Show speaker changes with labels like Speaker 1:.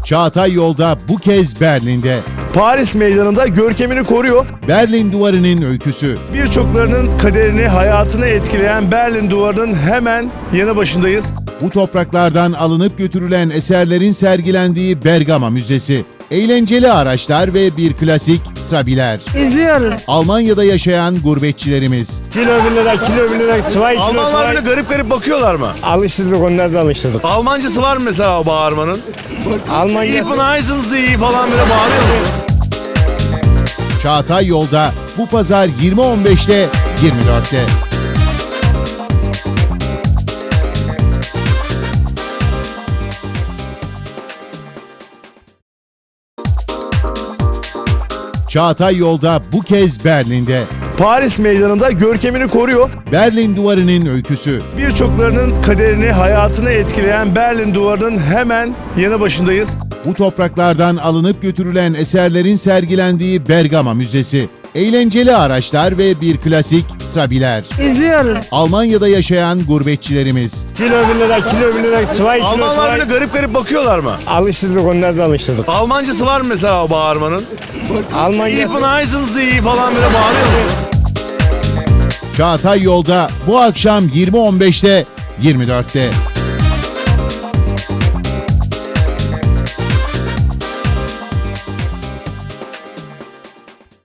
Speaker 1: Çağatay Yolda bu kez Berlin'de.
Speaker 2: Paris meydanında görkemini koruyor.
Speaker 1: Berlin Duvarı'nın öyküsü.
Speaker 2: Birçoklarının kaderini, hayatını etkileyen Berlin Duvarı'nın hemen yanı başındayız.
Speaker 1: Bu topraklardan alınıp götürülen eserlerin sergilendiği Bergama Müzesi. Eğlenceli araçlar ve bir klasik trabiler.
Speaker 3: İzliyoruz.
Speaker 1: Almanya'da yaşayan gurbetçilerimiz.
Speaker 4: Kilo 1 lira, kilo 1 lira, 2 kilo.
Speaker 2: Almanlar bile garip garip bakıyorlar mı?
Speaker 4: Alıştırdık, onlar da alıştırdık.
Speaker 2: Almancası var mı mesela o bağırmanın?
Speaker 4: Almanya'sı.
Speaker 2: Heißen Sie falan böyle bağırıyor mu?
Speaker 1: Çağatay Yolda bu pazar 20.15'te 24'te. Çağatay Yolda bu kez Berlin'de.
Speaker 2: Paris meydanında görkemini koruyor.
Speaker 1: Berlin Duvarı'nın öyküsü.
Speaker 2: Birçoklarının kaderini, hayatını etkileyen Berlin Duvarı'nın hemen yanı başındayız.
Speaker 1: Bu topraklardan alınıp götürülen eserlerin sergilendiği Bergama Müzesi. Eğlenceli araçlar ve bir klasik trabiler.
Speaker 3: İzliyoruz.
Speaker 1: Almanya'da yaşayan gurbetçilerimiz.
Speaker 4: Kilo 1 lira, kilo 1 lira, 2 kilo.
Speaker 2: Almanlar bile garip garip bakıyorlar mı?
Speaker 4: Alıştırdık, onlar da alıştırdık.
Speaker 2: Almancası var mı mesela o bağırmanın?
Speaker 4: Almanya'sı.
Speaker 2: Heißen Sie falan böyle bağırıyor mu?
Speaker 1: Çağatay Yolda bu akşam 20.15'te 24'te.